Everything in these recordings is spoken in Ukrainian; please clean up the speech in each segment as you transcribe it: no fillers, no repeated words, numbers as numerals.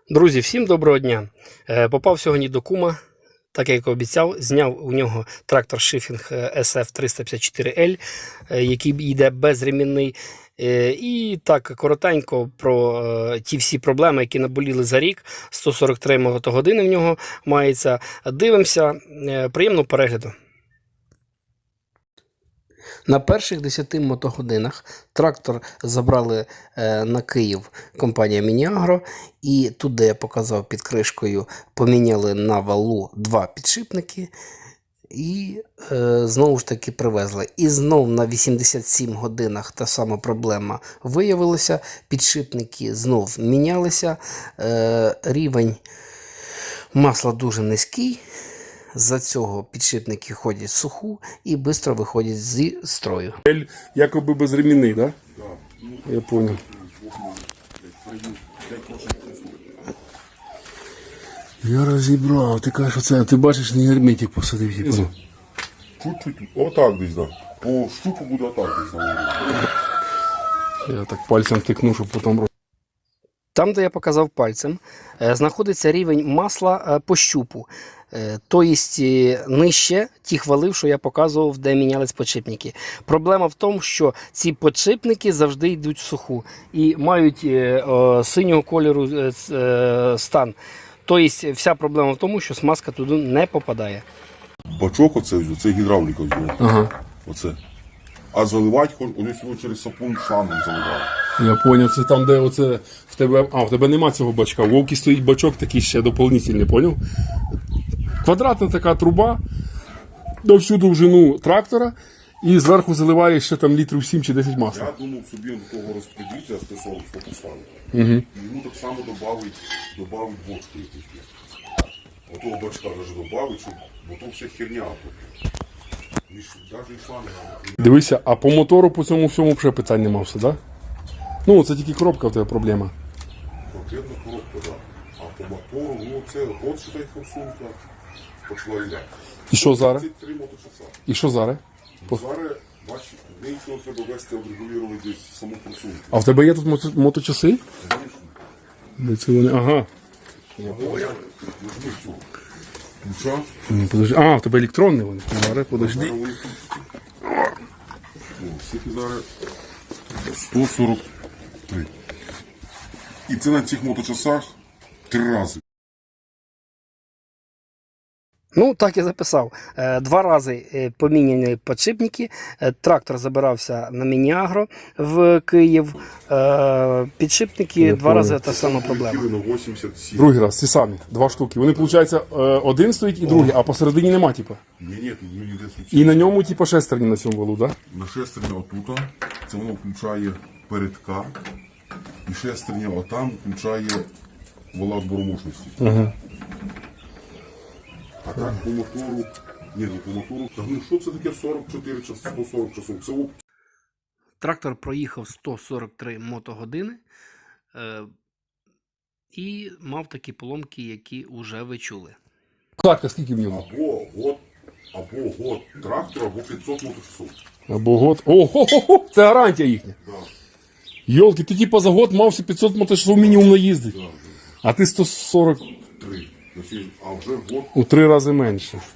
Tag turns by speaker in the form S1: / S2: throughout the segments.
S1: Друзі, всім доброго дня! Попав сьогодні до кума, так як обіцяв, зняв у нього трактор Шифінг SF354L, який йде безремінний. І так коротенько про ті всі проблеми, які наболіли за рік. 143 мотогодини в нього мається. Дивимося, приємного перегляду. На перших 10 мотогодинах трактор забрали на Київ компанія Міні-Агро, і тут, де я показав під кришкою, поміняли на валу 2 підшипники і знову ж таки привезли. І знов на 87 годинах та сама проблема виявилася, підшипники знов мінялися, рівень масла дуже низький. За цього підшипники ходять в суху і швидко виходять зі строю.
S2: Якоби безремінний, так? Да? Я зрозумів. Я розібрав. Ти кажеш, оце, ти бачиш, не герметик посадив. Типу.
S3: Чуть-чуть. Отак десь, так. Да. По штуку буде отак десь.
S2: Я так пальцем тикну, щоб потім...
S1: Там, де я показав пальцем, знаходиться рівень масла по щупу. Тобто нижче тих валів, що я показував, де мінялись підшипники. Проблема в тому, що ці підшипники завжди йдуть в суху і мають синього кольору стан. Тобто вся проблема в тому, що смазка туди не попадає.
S3: Бачок це гідравліка взяла.
S2: Ага.
S3: Оце. А заливати, вони всього через сапун шлангом заливають.
S2: Я зрозумів, це там, де оце в тебе... А, в тебе нема цього бачка. У Вовки стоїть бачок такий ще доповнительний, поняв? Квадратна така труба на всю довжину трактора і зверху заливає ще там літрів 7 чи 10 масла.
S3: Я думав собі до того розподілителя з Т-40 поставити. І йому так само добавить бочку якусь. Отого бачка навіть добавить, щоб, бо то вся херня.
S2: Дивися, а по мотору по цьому всьому вже питань нема все, так? Ну, це тільки коробка в тебе проблема.
S3: Конкретно коробка, так. А по мотору, ну це от що дай форсунка почала йде.
S2: І що зараз?
S3: 33 моточаса.
S2: І що зараз?
S3: Зараз, бачиш, неї цього треба вести, відрегулювати десь саму форсунку.
S2: А в тебе є тут моточаси? Де це вони? Ага.
S3: Ключа.
S2: Подожди. А, в тебе електронні вони. Зараз, подожди.
S3: Скільки зараз? 143. І це на цих моточасах 3 рази.
S1: Ну, так і записав. 2 рази поміняні підшипники, трактор забирався на Міні-Агро в Київ, підшипники 2 рази та сама проблема.
S3: На 87.
S2: Другий раз, ці самі, 2 штуки. Вони, виходить, один стоїть і другий, а посередині нема, типу.
S3: Ні, тут ніде суцільно.
S2: І на ньому, типу, шестерні на цьому валу, так?
S3: На шестерня отут, це воно включає передка, і шестерня отам включає вала зборомощності. А так по мотору, ні, не по мотору, та ну що це таке 44 часи, 140 часов? Це
S1: Трактор проїхав 143 мотогодини і мав такі поломки, які вже ви чули.
S2: Так, а скільки в ньому?
S3: або год трактора, або 500 моточасов.
S2: Або год. Ого, це гарантія їхня.
S3: Да.
S2: Йолки, ти типу за год мався 500 моточасов мінімум наїздити.
S3: Да.
S2: А ти 140
S3: 3. А вже год.
S2: у 3 рази менше.
S3: Що?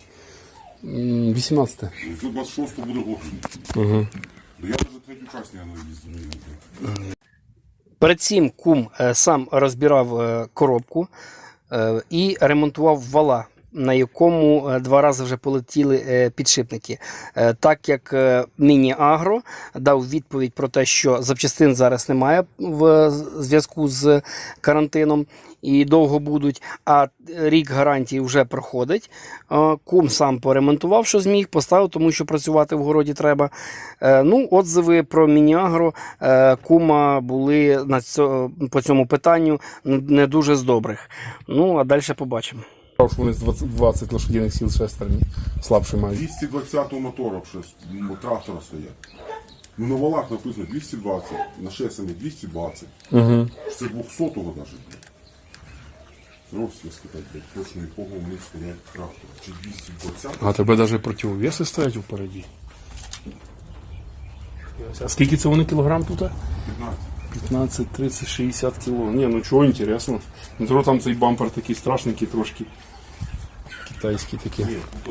S2: 18.
S3: 126 буде год. Угу. Я навіть третю часть не їздив.
S1: Перед цим кум сам розбирав коробку і ремонтував вала, на якому 2 рази вже полетіли підшипники. Так як Міні-Агро дав відповідь про те, що запчастин зараз немає в зв'язку з карантином і довго будуть, а рік гарантії вже проходить. Кум сам поремонтував, що зміг, поставив, тому що працювати в городі треба. Ну, отзиви про Міні-Агро кума були по цьому питанню не дуже з добрих. Ну, а далі побачимо.
S2: Що вони з 20 лошадиних сил шестерні слабше мають.
S3: 220 мотора трактора стоять. Ну на валах написано 220, на шестерні 220. Угу. Це 200-го навіть. Просто сказати, точно якого у них стоять трактор. Чи 220.
S2: А тебе навіть противовеси стоять впереді. А скільки це вони кілограм тут?
S3: 15.
S2: 15, 30, 60 кіло. Ні, ну чого інтересно. Не то там цей бампер такий страшненький трошки. Китайський такий.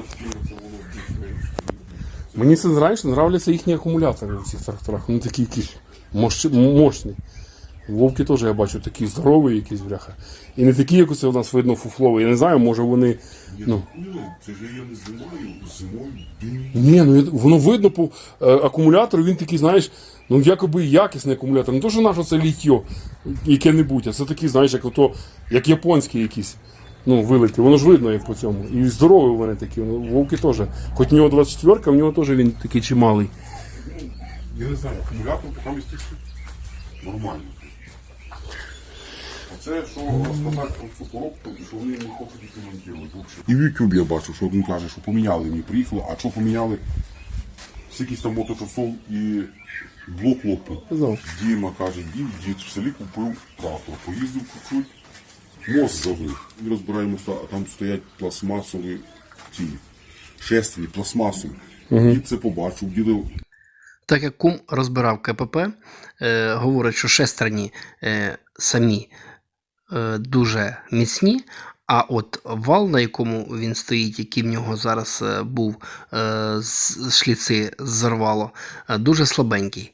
S2: Мені це, знаєш, нравляться їхні акумулятори в цих тракторах. Вони такі якісь мощні. Вовки теж, я бачу, такі здорові якісь, бляха. І не такі, як оце у нас видно фуфлові. Я не знаю, може вони... Ну.
S3: Це ж я не знімаю, зимою дим.
S2: Ні, ну воно видно по акумулятору, він такий, знаєш, ну якоби якісний акумулятор. Не то, що наше це літьо яке-небудь, а це такий, знаєш, як японський якийсь. Ну, вилеті. Воно ж видно, як по цьому. І здорові вони такі. Ну, вовки теж. Хоч у нього 24-ка, в нього теж він такий чималий.
S3: Я не знаю, акумулятор поки міститься нормально. Оце, що розказати про цю коробку, що вони не хочуть їх ремонтувати. І в YouTube я бачу, що він каже, що поміняли мені, приїхало, а що поміняли? Скільки там моточасов і блок лопнув. Діма каже, дід в селі купив трактор, поїздив чуть-чуть, мост забив. Ми розбираємося, а там стоять пластмасові ці шестерні, пластмасові. Дід це побачив, дідив.
S1: Так як кум розбирав КПП, говорить, що шестерні самі дуже міцні, а от вал, на якому він стоїть, який в нього зараз був, шліци зірвало, дуже слабенький.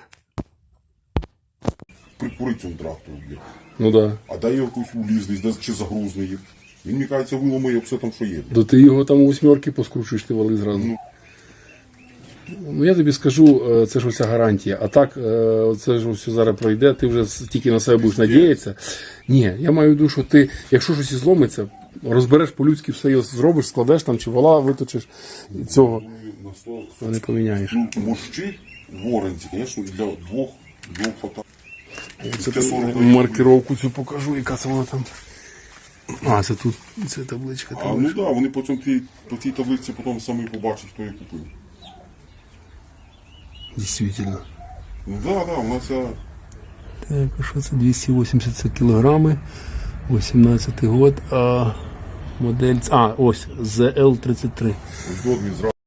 S3: Прикурить цьому трактору, блядь.
S2: Ну так. Да.
S3: А дай його якусь улізний, чи загрузний їх. Він, мені кажеться, виламає все там, що є.
S2: То ти його там у 8 поскручуєш, ти вали зразу. Ну, я тобі скажу, це ж уся гарантія. А так, це ж все зараз пройде, ти вже тільки на себе будеш надіятися. Ні, я маю в виду, що ти, якщо щось і зломиться, розбереш по-людськи, все його зробиш, складеш там, чи вала виточиш, і цього не поміняєш.
S3: Ну, мощі в оренді, звісно, для двох фото.
S2: Маркировку цю покажу, яка це вона там. А, це тут, це табличка.
S3: А, ну так, да, вони потім по цій таблиці потім самі побачать, хто її купив.
S2: Дійсно.
S3: Ну так, да, вона ця...
S2: Так, а що це? 280 кілограми, 18-й год, а модель... А, ось, ZL33.
S3: Ось до він зразу.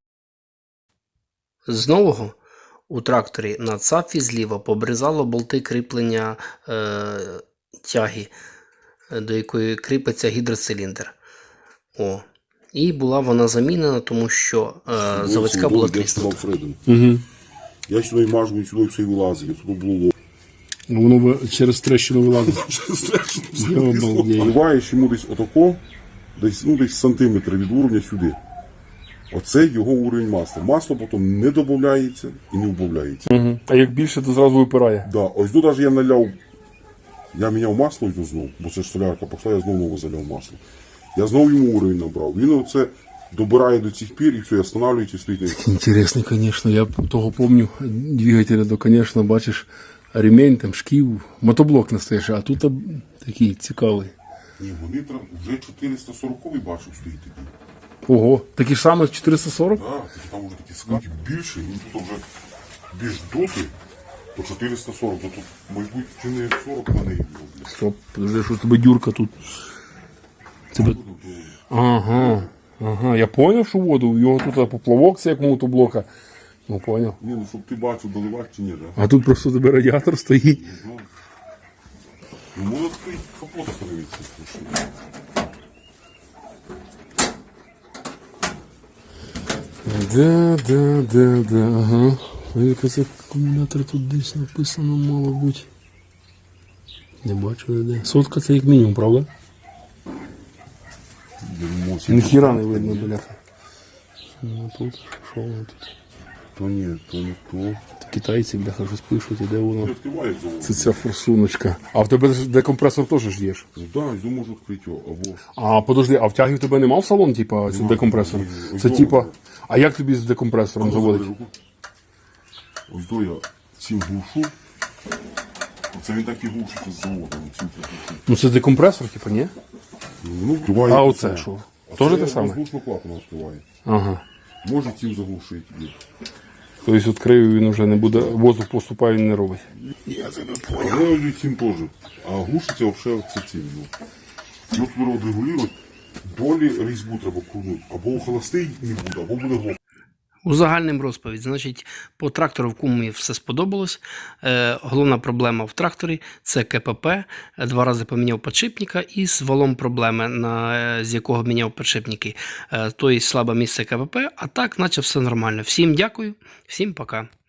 S1: З нового у тракторі на цапфі зліва побризало болти кріплення тяги, до якої кріпиться гідроциліндр. О. І була вона замінена, тому що заводська була тріснута.
S2: Угу.
S3: Я сюди мажу, і сюди все і вилазить, сюди було.
S2: Воно через трещину вилазить.
S3: Вливаєш йому десь отако, десь сантиметр від уровня сюди. Оце його уровень масла. Масло потім не додається і не вбавляється.
S2: Угу. А як більше, то зразу випирає.
S3: Да. Ось тут навіть я наляв, я міняв масло ось знову, бо це ж солярка пішла, я знову нове заляв масло. Я знову йому уровень набрав. Він оце добирає до цих пір і все, і останавливається і стоїть.
S2: Інтересно, звісно. Я того пам'ятаю, двигателя, то, звісно, бачиш, ремень, там, шків, мотоблок настоящий, а тут такий цікавий.
S3: Ні, вони вже 440-й бачив стоїть такий.
S2: Ого, такі ж саме 440?
S3: Так, там вже такі скаки більше, він тут вже більш доти, то 440, то тут, мабуть, чи не 40 на неї було.
S2: Стоп, подожди, що з тебе дюрка тут? Тебе... Ага, я поняв, що воду, його тут поплавок це як мотоблока. Ну, поняв.
S3: Ні, ну щоб ти бачив, доливати чи ні, так?
S2: А тут просто тебе радіатор стоїть.
S3: Ну, може відкрити капота подивитися.
S2: Да, ага. Якийсь акумулятор тут десь написано, мало бути. Не бачу, де. Сотка це як мінімум, правда? Ніхіра не видно, бляха. Ну тут, що воно тут?
S3: То ні, то не то.
S2: Китайці, бляха, щось пишуть, і де воно.
S3: Відкривають завод.
S2: Це ця форсуночка. А в тебе декомпресор теж ж є ж?
S3: Ну так, я можу відкрити його, або...
S2: А, подожди, а втяги в тебе нема в салон, типа, це декомпресор? Це типа, а як тобі з декомпресором заводить?
S3: Ось до я цим глушу. Оце він так і глушиться з заводу.
S2: Ну це декомпресор, типа, ні?
S3: Ну, вкриває.
S2: А оце що? Тоже те саме?
S3: Воздушно клапана відкриває.
S2: Ага.
S3: Може цим заглушити.
S2: Тобто відкрив, він вже не буде, воздух поступає, він не робить.
S3: Я тебе понял. Але цим теж. А глушиться взагалі це цим. Ну тут регулювати. Долі різьбу треба крутнути. Або холостий не буде, або буде глох.
S1: Узагальним розповідь. Значить, по трактору в кумі все сподобалось. Головна проблема в тракторі – це КПП. 2 рази поміняв підшипника і з валом проблеми, з якого міняв підшипники. Тобто слабе місце КПП, а так, наче все нормально. Всім дякую, всім пока.